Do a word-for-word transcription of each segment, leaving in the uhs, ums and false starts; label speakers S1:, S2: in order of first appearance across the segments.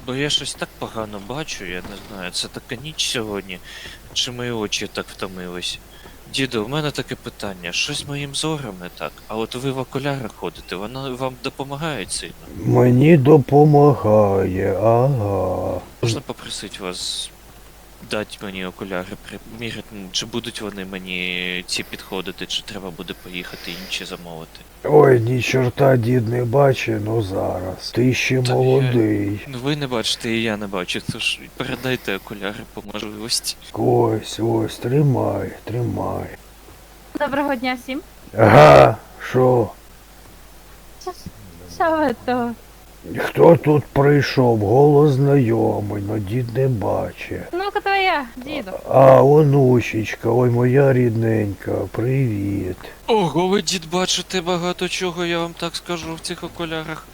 S1: Бо я щось так погано бачу, я не знаю, це така ніч сьогодні, чи мої очі так втомились. Діду, у мене таке питання, щось з моїм зором не так, а от ви в окулярах ходите, воно вам допомагає сильно?
S2: Мені допомагає, ага.
S1: Можна попросити вас дати мені окуляри, приміряти, ну, чи будуть вони мені ці підходити, чи треба буде поїхати інші замовити?
S2: Ой, ні чорта дід не бачить, ну зараз. Ти ще
S1: Та
S2: молодий.
S1: Ну ви не бачите, і я не бачу, тож передайте окуляри по можливості.
S2: Ось, ось, тримай, тримай.
S3: Доброго дня всім.
S2: Ага, що?
S3: Що ви то?
S2: Хто тут прийшов? Голос знайомий, но дід не бачить.
S3: Ну-ка то я, діду.
S2: А, онучечка, ой, моя рідненька, привіт.
S1: Ого, ви, дід, бачите багато чого, я вам так скажу в цих окулярах.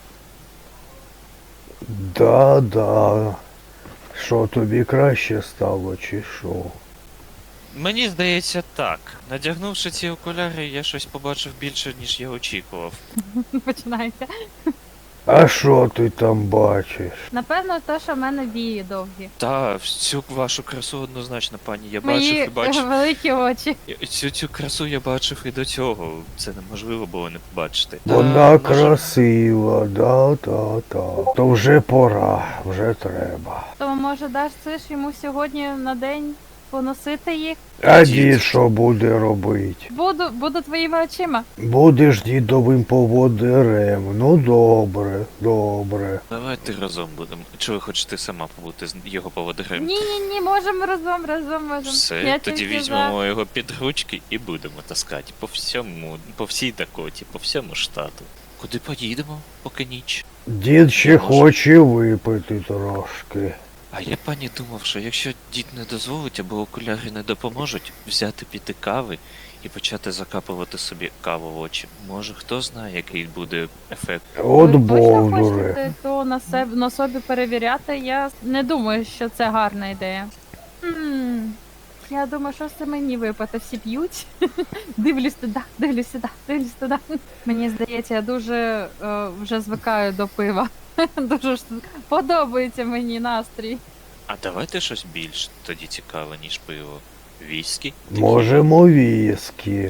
S2: Да-да. Що, тобі краще стало, чи що?
S1: Мені здається так. Надягнувши ці окуляри, я щось побачив більше, ніж я очікував.
S3: Починається.
S2: А що ти там бачиш?
S3: Напевно, то, що в мене вії довгі.
S1: Та, всю вашу красу однозначно, пані, я бачив
S3: Мої
S1: і бачив.
S3: великі очі.
S1: Я- Цю цю красу я бачив і до цього. Це неможливо було не побачити. Та,
S2: Вона
S1: може,
S2: красива, да-да-да. То вже пора, вже треба.
S3: То може даш це ж йому сьогодні на день поносити їх?
S2: А
S1: Дід.
S2: дід що буде робити?
S3: Буду, буду твоїми очима.
S2: Будеш дідовим поводирем. Ну добре, добре.
S1: Давайте разом будемо. Чи ви хочете сама побути з його поводирем?
S3: Ні, ні, ні, можемо разом, разом можемо.
S1: Все,
S3: Я
S1: тоді
S3: тільки
S1: візьмемо його під ручки і будемо таскати по всьому, по всій Дакоті, по всьому штату. Куди поїдемо, поки ніч?
S2: Дід ще
S1: Може.
S2: хоче випити трошки.
S1: А я, пані, думав, що якщо дід не дозволить або окуляри не допоможуть, взяти піти кави і почати закапувати собі каву в очі. Може, хто знає, який буде ефект.
S2: От
S3: Ви точно
S2: бовдури.
S3: хочете то на себе на собі перевіряти? Я не думаю, що це гарна ідея. Хм, я думаю, що це мені випити. Всі п'ють. Дивлюсь туди, дивлюсь сюди, дивлюсь туди. Мені здається, я дуже е, вже звикаю до пива. Дуже ж подобається мені настрій.
S1: А давайте щось більш тоді цікаве, ніж пиво. Віскі?
S2: Можемо віскі.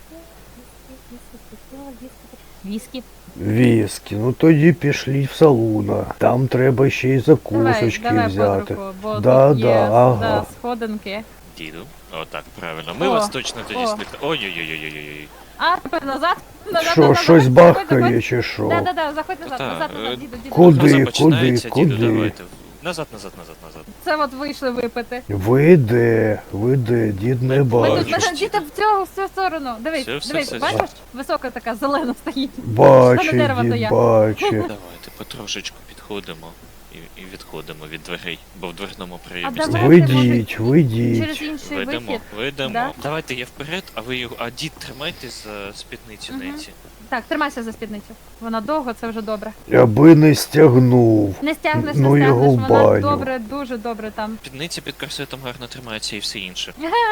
S3: Віскі.
S2: Віскі. Ну тоді пішліть в салуна. Там треба ще й
S3: Давай,
S2: закусочки
S3: давай под
S2: взяти.
S3: руку, бо
S2: Да,
S3: тут є
S2: да, ага.
S3: да, сходинки.
S1: Діду. О, так, правильно. Ми
S3: О,
S1: вас точно тоді
S3: о.
S1: слухаємо. Ой-ой-ой-ой-ой-ой.
S3: А, тепер назад. Назад,
S2: Що,
S3: назад,
S2: щось
S3: заходь,
S2: бахкає
S3: заходь.
S2: чи що?
S3: Да, да, да, заходь назад,
S1: Та,
S3: назад,
S1: е,
S3: назад, діду, діду.
S2: Куди?
S1: Гроза починається,
S2: куди,
S1: діду,
S2: куди?
S1: давайте. Назад, назад, назад, назад.
S3: Це от вийшли випити.
S2: Ви де? Ви де? Дід не
S3: Ми
S1: Бачу,
S3: тут
S2: бачить.
S1: що
S3: мене діти в цю, в цю сторону. Дивись,
S1: Все, все,
S3: дивись,
S1: все,
S3: бачиш? Висока така зелена стоїть.
S2: Бачить,
S3: дерева то
S2: дід
S3: я.
S2: бачить.
S1: Давайте потрошечку підходимо і, і відходимо від дверей, бо в дверному
S3: А
S1: проємі
S3: давай.
S1: стоїть.
S2: Вийдіть,
S3: Через
S2: вийдіть.
S3: інший
S1: Ведемо,
S3: вихід.
S1: ведемо.
S3: Да?
S1: Давайте я вперед, а ви його. А дід тримайте за спідницю
S3: Мгм.
S1: Ненсі.
S3: Так, тримайся за спідницю. Вона довго, це вже добре.
S2: Аби не стягнув.
S3: Не стягнеш,
S2: Ну,
S3: не
S2: його
S3: стягнеш,
S2: в
S3: вона
S2: баню.
S3: добре, дуже добре там.
S1: Спідниця під корсетом гарно тримається і все інше.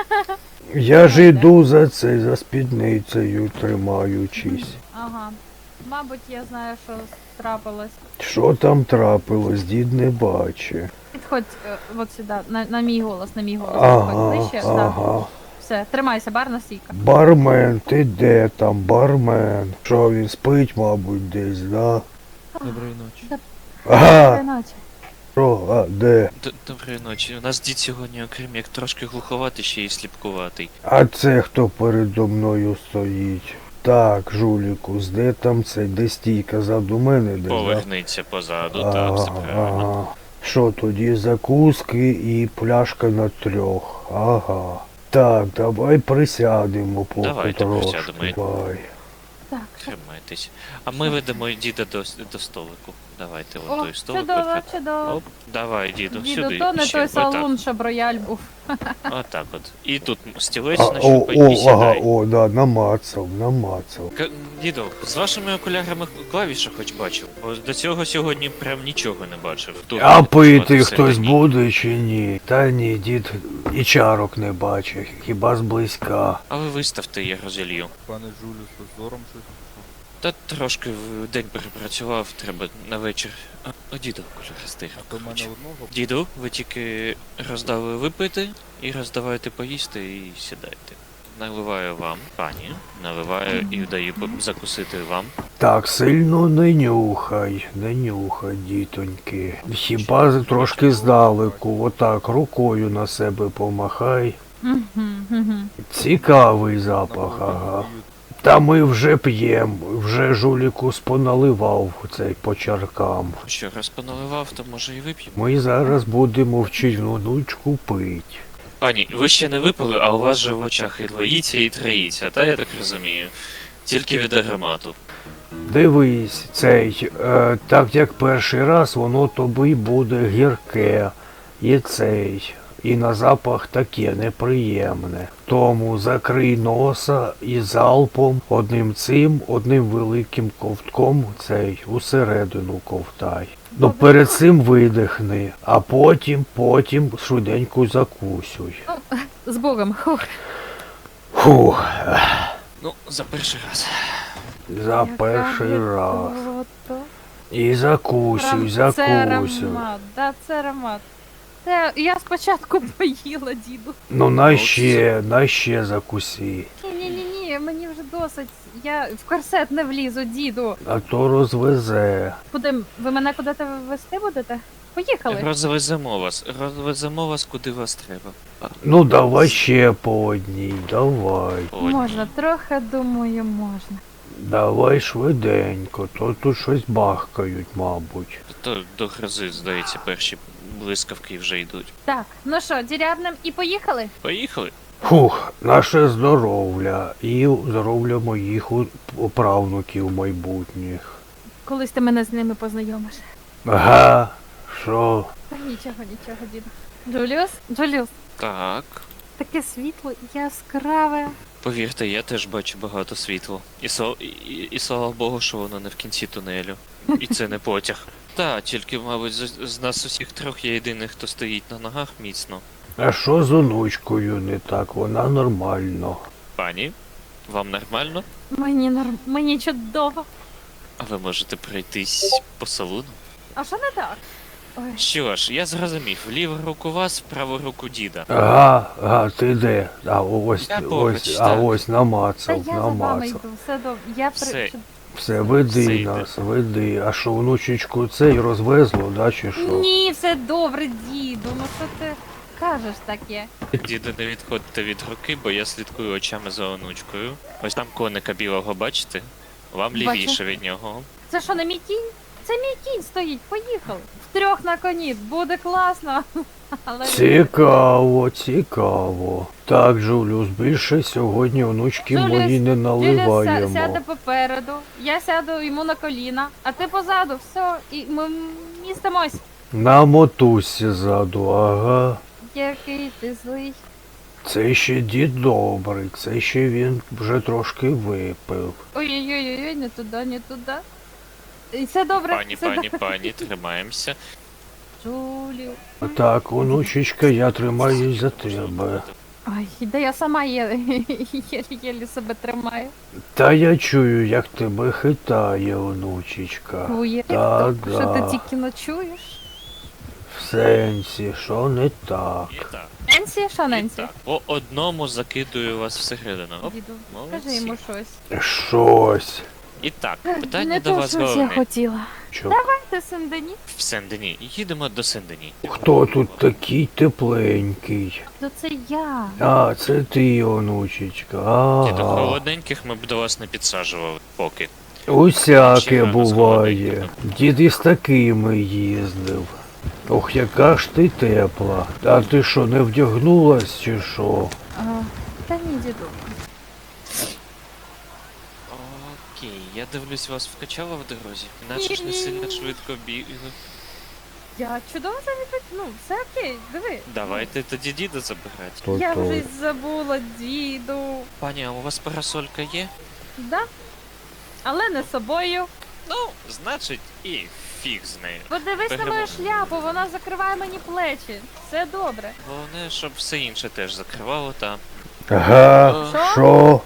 S2: Я ж іду за це, за спідницею тримаючись.
S3: Ага. Мабуть, я знаю, що трапилось.
S2: Що там трапилось, дід не бачить.
S3: Підходь е, от сюди, на, на мій голос, на мій голос.
S2: Ага,
S3: Підходь ближче. Да.
S2: ага.
S3: Все, тримайся, барна стійка.
S2: Бармен, ти де там, бармен? Що він спить, мабуть, десь, да?
S1: Доброї ночі.
S2: Ага,
S3: Іначе.
S2: що, а, де?
S1: Д- Доброї ночі. У нас дід сьогодні, окрім як трошки глуховатий, ще й сліпкуватий.
S2: А це хто передо мною стоїть? Так, жуліку, де там цей, де стійка ззаду мене, де, да?
S1: Поверниться позаду, так, все правильно.
S2: ага. Що тоді, закуски і пляшка на трьох. Ага. Так, давай присядемо поки
S1: Давайте
S2: трошки.
S1: присядемо.
S2: Давай.
S3: Так.
S1: Тримайтесь. А ми ведемо діда до, до столику. Давайте,
S3: О,
S1: от той столик.
S3: чудово,
S1: виходь.
S3: чудово.
S1: Оп, давай, діду,
S3: Діду,
S1: сюди.
S3: то не
S1: ще,
S3: той
S1: отак.
S3: салон, що брояль був.
S1: Отак от. І тут стілець
S2: А, о,
S1: нащупай і
S2: о, ага,
S1: сідай.
S2: о, да, намацав, намацав.
S1: К- Діду, з вашими окулярами клавіша хоч бачив, бо до цього сьогодні прям нічого не бачив. Тут
S2: А
S1: от
S2: пити
S1: все
S2: хтось
S1: ні.
S2: буде чи ні? Та ні, дід і чарок не бачить, хіба зблизька.
S1: А ви виставте, я розілью.
S4: Пане Жулю, з зором щось?
S1: Та трошки в день перепрацював, треба на вечір. А, о, діду, кольористий.
S4: А то в мене одного.
S1: Діду, ви тільки роздали випити і роздавайте поїсти і сідайте. Наливаю вам, пані, наливаю і даю по- закусити вам.
S2: Так, сильно не нюхай, не нюхай, дітоньки. Хіба трошки здалеку, отак, рукою на себе помахай.
S3: Мгм, мгм.
S2: Цікавий запах, ага. Та ми вже п'єм, вже жуліку споналивав цей по чаркам.
S1: Що, раз поналивав, то може і вип'ємо.
S2: Ми зараз будемо вчить внучку пить.
S1: Пані, ви ще не випили, а у вас же в очах і двоїться, і троїться, та я так розумію. Тільки від аромату.
S2: Дивись, цей, е, так як перший раз, воно тобі буде гірке. І цей, і на запах таке неприємне. Тому закрий носа і залпом одним цим, одним великим ковтком цей усередину ковтай. Ну перед цим видихни, а потім, потім швиденько закусуй.
S3: З Богом. Хух.
S2: Фух,
S1: Ну, за перший раз.
S2: за
S3: Яка
S2: перший раз.
S3: гидота.
S2: І закусуй,
S3: Прям Це
S2: закусуй.
S3: аромат, да, це аромат. Це я спочатку поїла, діду.
S2: Ну на ще, на ще закусі.
S3: Ні-ні-ні, мені вже досить. Я в корсет не влізу, діду.
S2: А то розвезе.
S3: Куди? Ви мене куди-то вести будете? Поїхали.
S1: Розвеземо вас, розвеземо вас куди вас треба. А,
S2: Ну давай ще по одній, давай.
S1: Ой,
S3: Можна, трохи думаю, можна.
S2: Давай швиденько, то тут щось бахкають, мабуть.
S1: То до грози, здається, перші блискавки вже йдуть.
S3: Так, ну що, дірябнем і поїхали?
S1: Поїхали?
S2: Фух, наше здоров'я і здоров'я моїх у- правнуків майбутніх.
S3: Колись ти мене з ними познайомиш.
S2: Ага, що?
S3: Та нічого, нічого, діду. Джуліус? Джуліус,
S1: Так.
S3: таке світло яскраве.
S1: Повірте, я теж бачу багато світла. І, со... і, і, і слава Богу, що воно не в кінці тунелю. І це не потяг. Та, тільки, мабуть, з, з нас усіх трьох я єдиний, хто стоїть на ногах міцно.
S2: А що з онучкою не так? Вона нормально.
S1: Пані, вам нормально?
S3: Мені норм... мені чудово.
S1: А ви можете пройтись по салону?
S3: А що не так? Ой,
S1: Що ж, я зрозумів, в ліву руку вас, в праву руку діда.
S2: Ага, ага, ти де? А ось,
S1: Я поруч,
S2: ось, а
S1: так.
S2: ось
S3: та
S2: намацав,
S3: я за вами
S2: намацав.
S3: йду, все добре. Я при...
S1: Все.
S3: чуд-
S2: Все, веди
S1: Все йде.
S2: нас, веди. А що, внучечку цей розвезло, да, чи що?
S3: Ні, все добре, діду. Ну що ти кажеш таке?
S1: Діду, не відходьте від руки, бо я слідкую очами за онучкою. Ось там коника білого, бачите? Вам
S3: Бачу.
S1: лівіше від нього.
S3: Це що, не мій кінь? Це мій кінь стоїть, поїхали. Втрьох на коні, буде класно. Але
S2: Цікаво, цікаво. Так, Джуліус, більше сьогодні онучки
S3: Джуліус,
S2: мої не
S3: Джуліус ся-
S2: наливаємо.
S3: сяде попереду, я сяду йому на коліна, а ти позаду, все, і ми містимось.
S2: На мотузці ззаду, ага.
S3: Який ти злий.
S2: Це ще дід добрий, це ще він вже трошки випив.
S3: Ой-ой-ой, не туди, не туди. І Все добре,
S1: Пані,
S3: все
S1: пані,
S3: добре.
S1: пані, тримаємося.
S3: Джулію.
S2: Так, онучечка, я тримаюсь за тебе.
S3: Ой, да я сама є- єлі себе тримаю.
S2: Та я чую, як тебе хитає, онучечка.
S3: Ує,
S2: Та
S3: що ти
S2: да.
S3: тільки ночуєш?
S2: В сенсі, що не так.
S1: І так,
S3: Ненсі, що
S1: і
S3: Ненсі?
S1: так. По одному закидую вас всередину. Оп,
S3: Діду,
S1: молодці.
S3: скажи йому щось.
S2: Щось.
S1: І так, питання
S3: Не
S1: до
S3: те,
S1: вас
S3: щось я
S1: головне.
S3: хотіла.
S2: Що?
S3: Ти Сен-Дені?
S1: В Сен-Дені. Їдемо до Сен-Дені.
S2: Хто тут такий тепленький?
S3: То це я.
S2: А, це ти, онучечка.
S1: Ні, до
S2: Ага.
S1: холодненьких ми б до вас не підсаджували поки.
S2: Усяке
S1: Ще рано
S2: буває.
S1: сходити.
S2: Дід із такими їздив. Ох, яка ж ти тепла. А ти що, не вдягнулась чи що?
S3: А, та ні, діду.
S1: Окей, я дивлюсь, вас вкачало в дорозі. Наче ж не сильно швидко бігли.
S3: Я чудово завітаю. Ну, все окей, диви.
S1: Давайте тоді діда забирати.
S2: То
S3: Я
S2: то.
S3: вже й забула, діду.
S1: Пані, а у вас парасолька є?
S3: Да? Але не з собою.
S1: Ну, значить, і фіг з нею.
S3: Подивись на
S1: Беремо.
S3: мою шляпу, вона закриває мені плечі. Все добре.
S1: Головне, щоб все інше теж закривало та.
S2: Ага,
S3: Що?
S2: що?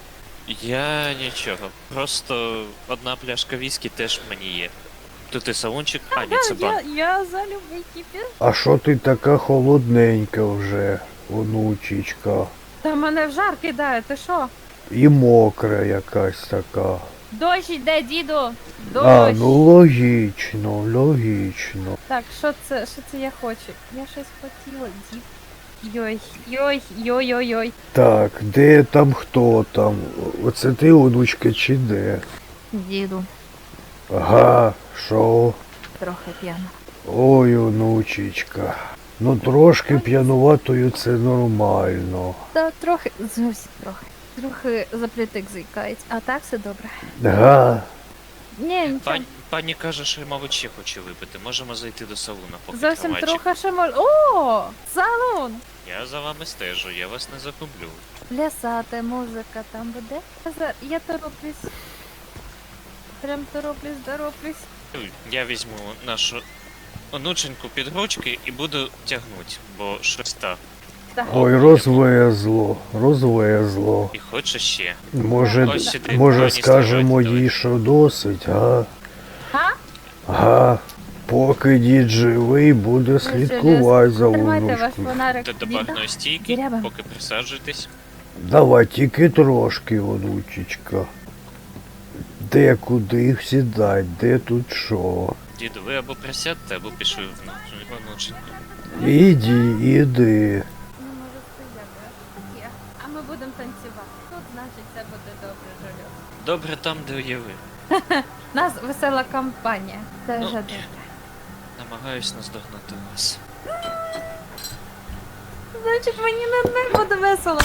S1: Я нічого. Просто одна пляшка віскі теж мені є. Тут і салончик, а ні, це
S3: Я,
S1: банк.
S3: я за любий кіпіш.
S2: А що ти така холодненька вже, онучечка?
S3: Та мене в жар кидає, ти що?
S2: І мокра якась така.
S3: Дощ йде, діду! Дощ!
S2: А, ну логічно, логічно.
S3: Так, що це, що це я хочу? Я щось хотіла, дід. Йой, йой, йой, йой, йой.
S2: Так, де там хто там? Оце ти, онучка, чи де?
S3: Діду,
S2: Ага, що?
S3: трохи п'яна.
S2: Ой, онучечка. Ну трошки п'януватою це нормально.
S3: Та трохи, зовсім трохи. Трохи заплітик заїкається, а так все добре.
S2: Га?
S3: Ні, нічого.
S1: Пані, пані каже, що, мабуть, ще хоче випити. Можемо зайти до салуна, поки
S3: Зовсім
S1: трамвайчик.
S3: трохи ще мож... О, салон!
S1: Я за вами стежу, я вас не загублю.
S3: Плясати, музика там буде. Я за- Я тороплюсь. Прям тороплюсь, тороплюсь.
S1: Я візьму нашу онученьку під ручки і буду тягнути, бо щось так.
S3: Так.
S2: Ой, розвезло, розвезло.
S1: І хоче ще.
S2: Може,
S1: Ось сюди,
S2: може
S1: пані,
S2: скажемо
S1: ставайте,
S2: їй, що досить, га?
S3: Га?
S2: Га? Поки дід живий, буде слідкувати за
S3: Тримайте ваш
S2: онучкою.
S3: фонарик.
S1: До, до
S3: Діда.
S1: барної стійки,
S3: Діряба.
S1: поки присаджуйтесь.
S2: Давай, тільки трошки, онучечка. Де куди сідать, де тут що?
S1: Діду, ви або присядьте, або пішли в онученьку.
S2: Іди, іди.
S3: Ну, може, стояти. Є. А ми будемо танцювати. Тут, значить, все буде добре, Жолю.
S1: Добре там, де є ви.
S3: Нас весела компанія. Це
S1: Ну.
S3: вже добре.
S1: Намагаюсь наздогнати вас.
S3: Значить, мені не, не буде весело.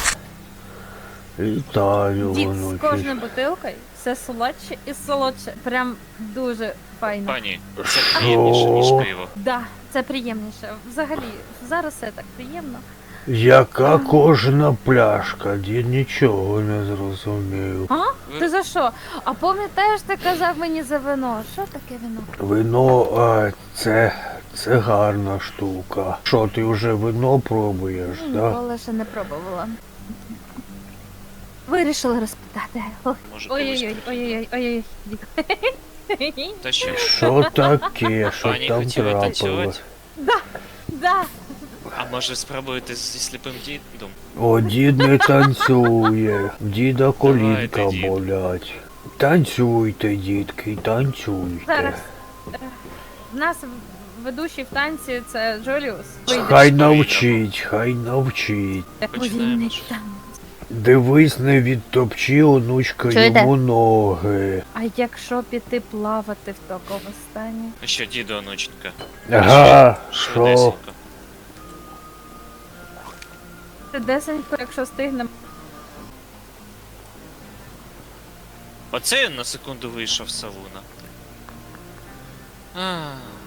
S2: Вітаю,
S3: Дід з
S2: онучечка.
S3: кожною бутилкою все солодше і солодше. Прям дуже файно.
S1: Пані, це приємніше, ніж
S2: Що?
S1: пиво.
S3: Да, це приємніше. Взагалі, зараз все так приємно.
S2: Яка кожна пляшка, дід нічого не зрозумів.
S3: А?
S1: Ви-
S3: Ти за що? А пам'ятаєш, ти казав мені за вино? Що таке вино?
S2: Вино, а, це, це гарна штука. Що, ти вже вино пробуєш, так? Да?
S3: Ніколи ще не пробувала. Вирішила розпитати. Ой,
S1: Може,
S3: Ой-ой-ой, ой-ой-ой, ой-ой.
S1: колись. Та що?
S2: Що таке, що
S1: Пані,
S2: там
S1: хотіли
S2: трапилось?
S1: танцювати?
S3: Да,
S1: А може спробуєте зі сліпим дідом?
S2: О, дід не танцює, в діда колінка
S1: Давайте, дід.
S2: болять. Танцюйте, дітки, танцюйте.
S3: зараз. Е, В нас в- ведучий в танці це Джоліус.
S2: Хай навчить, хай навчить.
S1: Починаємо.
S2: Дивись, не відтопчи, онучка,
S3: Чуєте?
S2: йому ноги.
S3: А якщо піти плавати в такому стані?
S1: Ну що, діду, онученька?
S2: Ага, що?
S1: Швидесенько.
S3: Це десенько, якщо встигнемо.
S1: Оце я на секунду вийшов з салуна. А,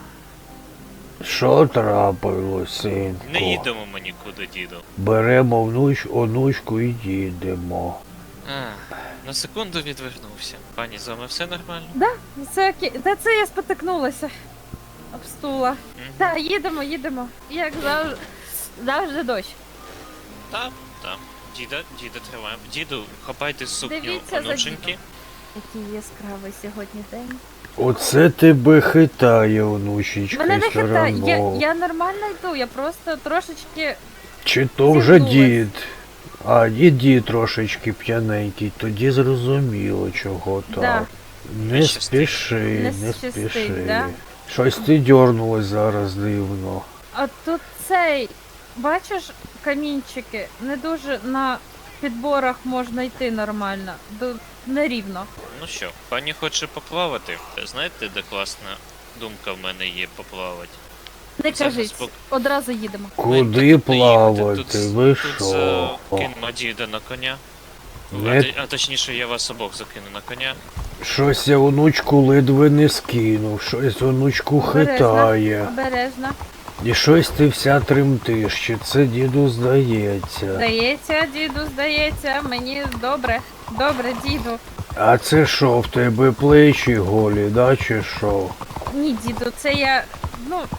S2: Що трапилось, синку?
S1: не їдемо ми нікуди, діду.
S2: Беремо внуч, онучку і їдемо.
S1: А, на секунду відвернувся. Пані, з вами все нормально?
S3: Да, це окей. Та це я спотикнулася. Об стула.
S1: Мгм.
S3: Та, їдемо, їдемо. Як завжди. Завжди дощ.
S1: Так, так. Діда, діда, триваємо. Діду, хапайте сукню
S3: Дивіться за
S1: онученьки.
S3: Який яскравий сьогодні день.
S2: Оце тебе хитає, онучечка,
S3: Мене не
S2: все
S3: хитає. Я,
S2: равно.
S3: я нормально йду, я просто трошечки.
S2: Чи то вже
S3: зігнулась.
S2: дід? А, дід дід трошечки п'яненький, тоді зрозуміло, чого так.
S3: Да.
S2: Не
S1: Не щастить.
S2: спіши,
S3: Не
S2: не,
S3: щастить,
S2: спіши.
S3: да?
S2: Щось ти дьорнулась зараз дивно.
S3: А тут цей. Бачиш, камінчики, не дуже на підборах можна йти нормально. До... Нерівно.
S1: Ну що, пані хоче поплавати? Знаєте, де класна думка в мене є поплавати?
S3: Не
S1: Зараз
S3: кажіть,
S1: пок-
S3: одразу їдемо.
S1: Ми
S2: Куди
S1: тут не їдемо,
S2: плавати?
S1: тут-
S2: Ви
S1: Тут
S2: що?
S1: закинемо діда на коня.
S2: Не-
S1: А, ти- а точніше, я вас обох закину на коня.
S2: Щось я онучку ледве не скинув, щось онучку хитає.
S3: Обережно.
S2: І щось ти вся тремтиш, чи це діду здається.
S3: Здається, діду, здається, мені добре. Добре, діду.
S2: А це що, в тебе плечі голі, да, чи що?
S3: Ні, діду, це я. Ну,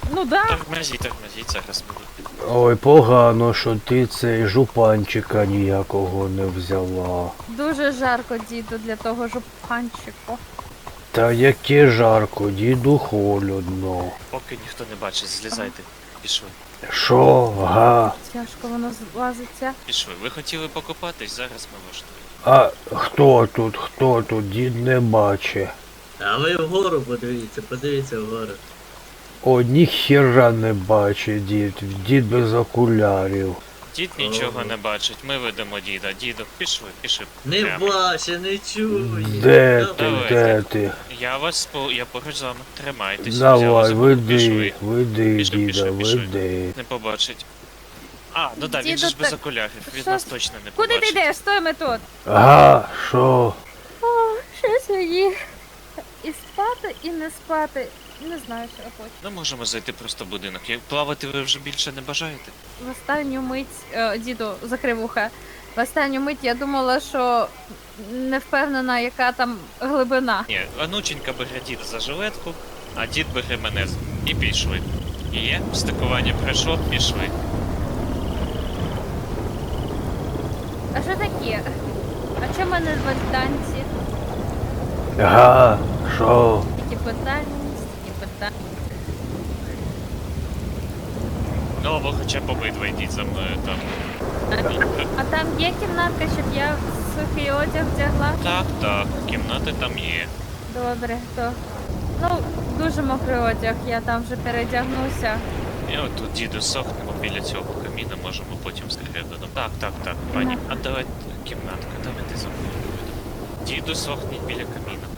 S3: Ну да.
S1: Тормозіть, тормозіть, зараз ми.
S2: Ой, погано, що ти цей жупанчика ніякого не взяла.
S3: Дуже жарко, діду, для того жупанчику.
S2: Та яке жарко, діду холодно.
S1: Поки ніхто не бачить, злізайте. Пішли.
S2: Що, га?
S3: Тяжко воно злазиться.
S1: Пішли. Ви хотіли покупатись, зараз ми влаштуємо.
S2: А хто тут, хто тут, дід не бачить.
S4: А ви вгору подивіться, подивіться вгору.
S2: О, ніхіра не бачить дід, дід без окулярів.
S1: Дід нічого не бачить, ми ведемо діда. Діду, пішли, пішли.
S4: Не
S1: Прямо.
S4: бачить, не чує.
S2: Де ти,
S1: Давайте.
S2: де ти?
S1: Я вас по. Я поруч з вами. Тримайтесь.
S2: Давай,
S1: Взяли за руку,
S2: веди,
S1: пішли.
S2: веди,
S1: Пішли,
S2: діда,
S1: пішли, пішли.
S2: веди.
S1: Не побачить. А, ну да, він
S3: Діду,
S1: же ж без
S3: так-
S1: окулярів, він
S3: що-
S1: нас точно не
S3: Куди
S1: побачить.
S3: ти йдеш? Стоїмо тут.
S2: Ага, що?
S3: О, щось мені. І спати, і не спати. Не знаю, що я хочу.
S1: Ну можемо зайти просто в будинок. Як плавати ви вже більше не бажаєте?
S3: В останню мить, е, діду, закрив уха. В останню мить я думала, що не впевнена, яка там глибина.
S1: Ні, онученька бере дід за жилетку, а дід бере мене з- і пішли. Є, стикування пройшло, пішли.
S3: А що таке? А чому мене звуть танці?
S2: Ага, що?
S3: Такі питання, такі питання.
S1: Ну, або хоча б обидва йдіть за мною там.
S3: А там є кімнатка, щоб я сухий одяг вдягла?
S1: Так, так, кімнати там є.
S3: Добре, то. Ну, дуже мокрий одяг, я там вже передягнуся.
S1: І от тут діду сохнемо біля цього каміна, можемо потім всередину. Так, так, так, пані. А давайте кімнатка, давайте за мною. Діду сохніть біля каміна.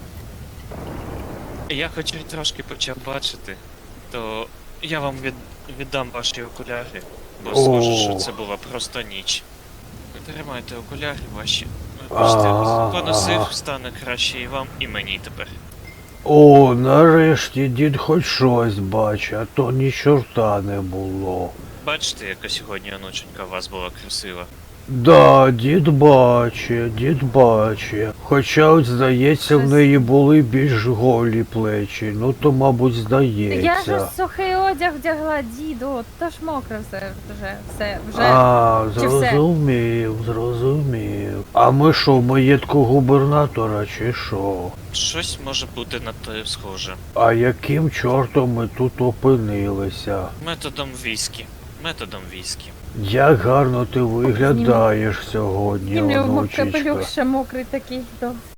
S1: Я хоч і трошки почав бачити, то я вам від... віддам ваші окуляри, бо схоже, що
S2: О.
S1: це була просто ніч. Тримайте окуляри ваші. Бачите,
S2: Ага,
S1: поносив,
S2: ага.
S1: стане краще і вам, і мені тепер.
S2: О, нарешті дід хоч щось бачить, а то ні чорта не було.
S1: Бачите, яка сьогодні онученька у вас була красива.
S2: Да, дід бачить, дід бачить. Хоча от здається, в
S3: Щось-
S2: неї були більш голі плечі. Ну то, мабуть,
S3: Я ж
S2: здається.
S3: сухий одяг вдягла, діду, то ж мокре все вже, все, вже.
S2: А,
S3: Чи все?
S2: зрозумів, зрозумів. А ми що, в маєтку губернатора чи що?
S1: Щось може бути на те схоже.
S2: А яким чортом ми тут опинилися?
S1: Методом віскі. Методом віскі.
S2: Як гарно ти виглядаєш сьогодні,
S3: І в нього
S2: онучечка.
S3: капелюх ще мокрий такий, то